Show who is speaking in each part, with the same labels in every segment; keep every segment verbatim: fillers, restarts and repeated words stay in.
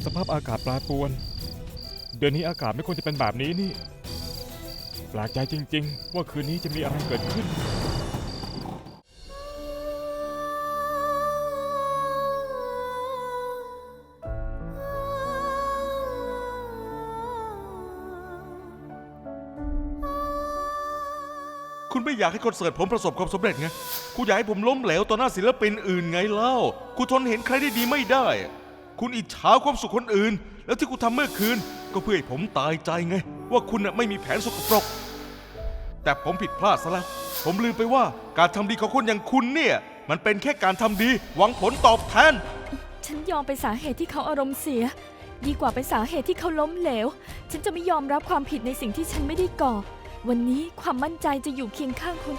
Speaker 1: สภาพอากาศแปรปรวนเดือนนี้อากาศไม่ควรจะเป็นแบบนี้นี่แปลกใจจริงๆว่าคืนนี้จะมีอะไรเกิดขึ้น
Speaker 2: คุณไม่อยากให้คอนเสิร์ตผมประสบความสำเร็จไงคุณอยากให้ผมล้มเหลวต่อหน้าศิลปินอื่นไงเล่าคุณทนเห็นใครได้ดีไม่ได้คุณอิจฉาความสุขคนอื่นแล้วที่คุณทำเมื่อคืนก็เพื่อให้ผมตายใจไงว่าคุณน่ะไม่มีแผนสกปรกแต่ผมผิดพลาดซะแล้วผมลืมไปว่าการทำดีของคนอย่างคุณเนี่ยมันเป็นแค่การทำดีหวังผลตอบแทน
Speaker 3: ฉันยอมเป็นสาเหตุที่เขาอารมณ์เสียดีกว่าเป็นสาเหตุที่เขาล้มเหลวฉันจะไม่ยอมรับความผิดในสิ่งที่ฉันไม่ได้ก่อวันนี้ความมั่นใจจะอยู่เคียงข้างคุณ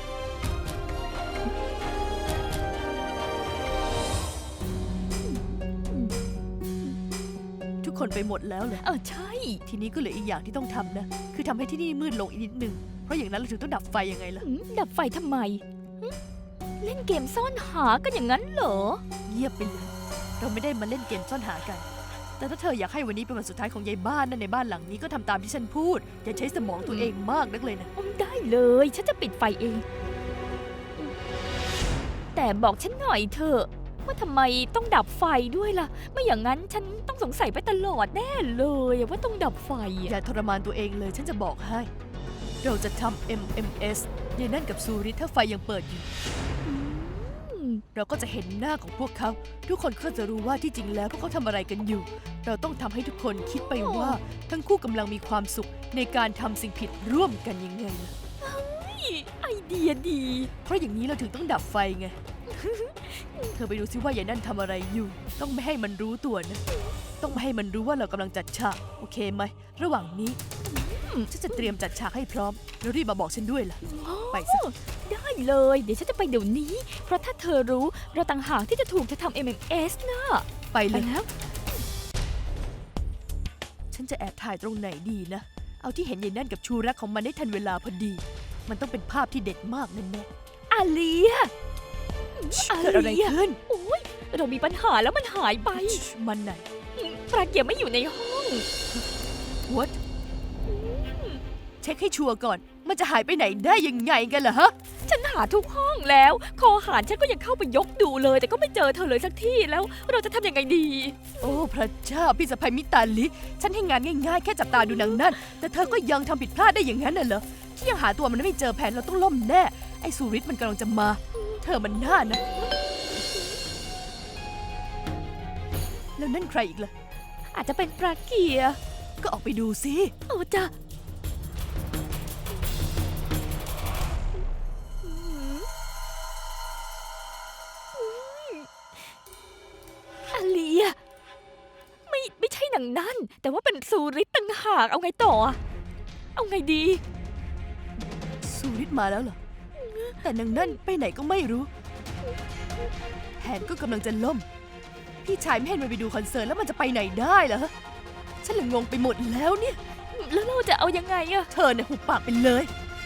Speaker 4: ทุกคนไปหมดแล้วเลย
Speaker 3: เออใช่
Speaker 4: ทีนี้ก็เหลืออีกอย่างที่ต้องทำนะคือทำให้ที่นี่มืดลงอีกนิดนึงเพราะอย่างนั้นเราถึงต้องดับไฟยังไงล่ะ
Speaker 3: หืมดับไฟทำไมหึเล่นเกมซ่อนหากันอย่างนั้นเหรอ
Speaker 4: เงียบไปเลยเราไม่ได้มาเล่นเกมซ่อนหากันแต่ถ้าเธออยากให้วันนี้เป็นวันสุดท้ายของยายบ้านนั่นในบ้านหลังนี้ก็ทำตามที่ฉันพูดอย่าใช้สมองตัวเองมากนักเลยนะ
Speaker 3: อืมได้เลยฉันจะปิดไฟเองแต่บอกฉันหน่อยเถอะว่าทำไมต้องดับไฟด้วยล่ะไม่อย่างนั้นฉันต้องสงสัยไปตลอดแน่เลยว่าต้องดับไฟ
Speaker 4: อย่าทรมานตัวเองเลยฉันจะบอกให้เราจะทำ เอ็ม เอ็ม เอส ยายนั่นกับซูริถ้าไฟยังเปิดอยู่เราก็จะเห็นหน้าของพวกเขาทุกคนก็จะรู้ว่าที่จริงแล้วพวกเขาทำอะไรกันอยู่เราต้องทำให้ทุกคนคิดไปว่าทั้งคู่กำลังมีความสุขในการทำสิ่งผิดร่วมกันยังไงล่ะ
Speaker 3: ไอเดียดี
Speaker 4: เพราะอย่างนี้เราถึงต้องดับไฟไง เธอไปดูซิว่ายายนั่นทำอะไรอยู่ต้องไม่ให้มันรู้ตัวนะต้องไม่ให้มันรู้ว่าเรากำลังจัดฉากโอเคไหมระหว่างนี้ฉันจะเตรียมจัดฉากให้พร้อมแล้วรีบมาบอกฉันด้วยล่ะไปสิ
Speaker 3: ได้เลยเดี๋ยวฉันจะไปเดี๋ยวนี้เพราะถ้าเธอรู้เราต่างหากที่จะถูกจะทำ เอ็ม เอ็ม เอส นะ
Speaker 4: ไปเลยแล้วฉันจะแอบถ่ายตรงไหนดีนะเอาที่เห็นยายนั่นกับชูรักของมันได้ทันเวลาพอดีมันต้องเป็นภาพที่เด็ดมากแน่
Speaker 3: ๆอาเลีย
Speaker 4: เกิดอะไรขึ้น
Speaker 3: โอ้ยเรามีปัญหาแล้วมันหายไป
Speaker 4: มันไหน
Speaker 3: ปลาเกียร์ไม่อยู่ในห้อง
Speaker 4: What เช็คให้ชัวร์ก่อนมันจะหายไปไหนได้ยังไงกันล่ะฮะ
Speaker 3: ฉันหาทุกห้องแล้วคอหารฉันก็ยังเข้าไปยกดูเลยแต่ก็ไม่เจอเธอเลยสักที่แล้วเราจะทำยังไงดี
Speaker 4: โอ้พระเจ้าพี่สะใภ้มิตาลิฉันให้งานง่ายๆแค่จับตาดูนางนั่นแต่เธอก็ยังทำผิดพลาดได้อย่างนั้นน่ะเหรอที่ยังหาตัวมันไม่เจอแผนเราต้องล่มแน่ไอ้สุริศมันกำลังจะมาเธอมันน่านะแล้วนั่นใครอีกล่ะ
Speaker 3: อาจจะเป็นปลาเกียร์
Speaker 4: ก็ออกไปดูสิ
Speaker 3: โอ้จ้ะอาเลียไม่ไม่ใช่หนังนั่นแต่ว่าเป็นซูริตต่างหากเอาไงต่อเอาไงดี
Speaker 4: ซูริตมาแล้วเหรอแต่นางนั่นไปไหนก็ไม่รู้แผนก็กำลังจะล่มพี่ชายไม่ให้มันไปดูคอนเสิร์ตแล้วมันจะไปไหนได้เหรอฉันเลยงงไปหมดแล้วเนี่ย
Speaker 3: แล้วเราจะเอายังไงอะ
Speaker 4: เธอเนี่ยหุบปากไปเลย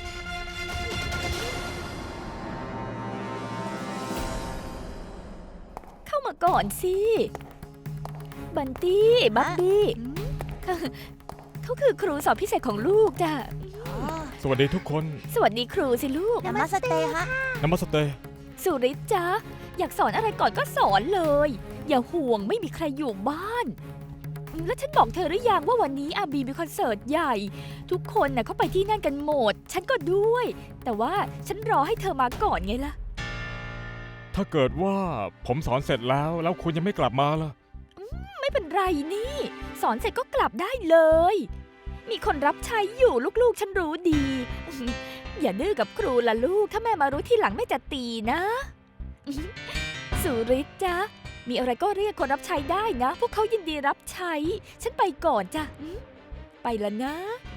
Speaker 3: เข้ามาก่อนสิบันตี้บับบี้เขาคือครูสอนพิเศษของลูกจ้ะ
Speaker 1: สวัสดีทุกคน
Speaker 3: สวัสดีครูสิลูก
Speaker 5: นามัสเตฮะ
Speaker 1: นามัสเต
Speaker 3: สุริตจ้ะอยากสอนอะไรก่อนก็สอนเลยอย่าห่วงไม่มีใครอยู่บ้านแล้วฉันบอกเธอหรือยังว่าวันนี้อาบีมีคอนเสิร์ตใหญ่ทุกคนน่ะเขาไปที่นั่นกันหมดฉันก็ด้วยแต่ว่าฉันรอให้เธอมาก่อนไงล่ะ
Speaker 1: ถ้าเกิดว่าผมสอนเสร็จแล้วแล้วคุณยังไม่กลับมาล่ะ
Speaker 3: ไม่เป็นไรนี่สอนเสร็จก็กลับได้เลยมีคนรับใช้อยู่ลูกๆฉันรู้ดีอย่าดื้อกับครูล่ะลูกถ้าแม่มารู้ทีหลังแม่จะตีนะสุริตจ้ะมีอะไรก็เรียกคนรับใช้ได้นะพวกเขายินดีรับใช้ฉันไปก่อนจ้ะไปแล้วนะ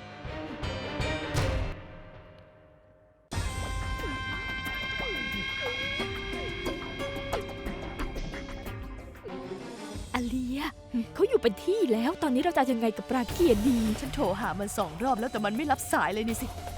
Speaker 3: อาเลียเขาอยู่เป็นที่แล้วตอนนี้เราจะยังไงกับปราเกียรดี
Speaker 4: ฉันโทรหามันสองรอบแล้วแต่มันไม่รับสายเลยนี่สิ